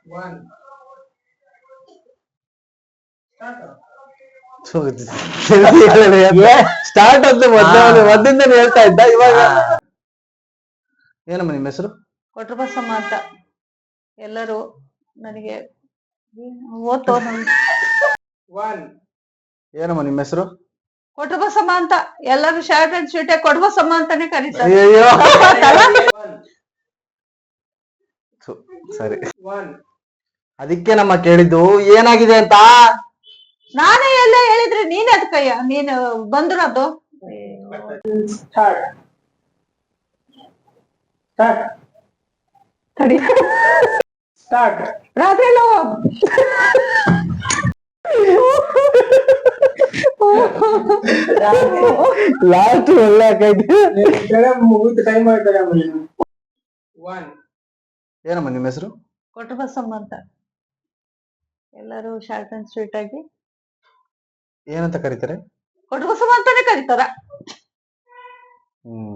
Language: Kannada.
ಸ್ಟಾರ್ಟ್ ಅಂತ ಮದ್ದಿಂದ ಹೇಳ್ತಾ ಇದ್ದ. ಇವಾಗ ಏನಮ್ಮ ನಿಮ್ಮ ಹೆಸರು? ಕೊಟ್ರಬಸಮ್ಮ ಅಂತ. ಎಲ್ಲರೂ ನನಗೆ ಓದ್ತೋ. ಏನಮ್ಮ ನಿಮ್ಮ ಹೆಸರು? ಕೊಟ್ರಬಸಮ್ಮ ಅಂತ. ಎಲ್ಲರೂ ಶಾರ್ಟ್ ಅಂಡ್ ಸ್ವೀಟ್ ಕೊಟ್ರಬಸಮ್ಮ ಅಂತಾನೆ ಕರೀತಾರೆ. ಅಯ್ಯೋ ಸರಿ, ಅದಕ್ಕೆ ನಮ್ಮ ಕೇಳಿದ್ದು ಏನಾಗಿದೆ ಅಂತ. ನಾನೇ ಎಲ್ಲ ಹೇಳಿದ್ರೆ ನೀನ್ ಅದಕ್ಕಯ್ಯ ನೀನು ಬಂದ್ರದು. ರಾತ್ರಿ ಎಲ್ಲ ಲಾಸ್ಟ್ ಒಳ್ಳೆ ಏನಮ್ಮ ನಿಮ್ಮ ಹೆಸರು? ಕೊಟ್ರಬಸಮ್ಮ ಅಂತ. ಎಲ್ಲರೂ ಶಾರ್ಟ್ ಅಂಡ್ ಸ್ವೀಟ್ ಆಗಿ ಏನಂತ ಕರೀತಾರೆ? ಕೊಟ್ರಬಸಮ್ಮ ಅಂತಾನೆ ಕರೀತಾರ.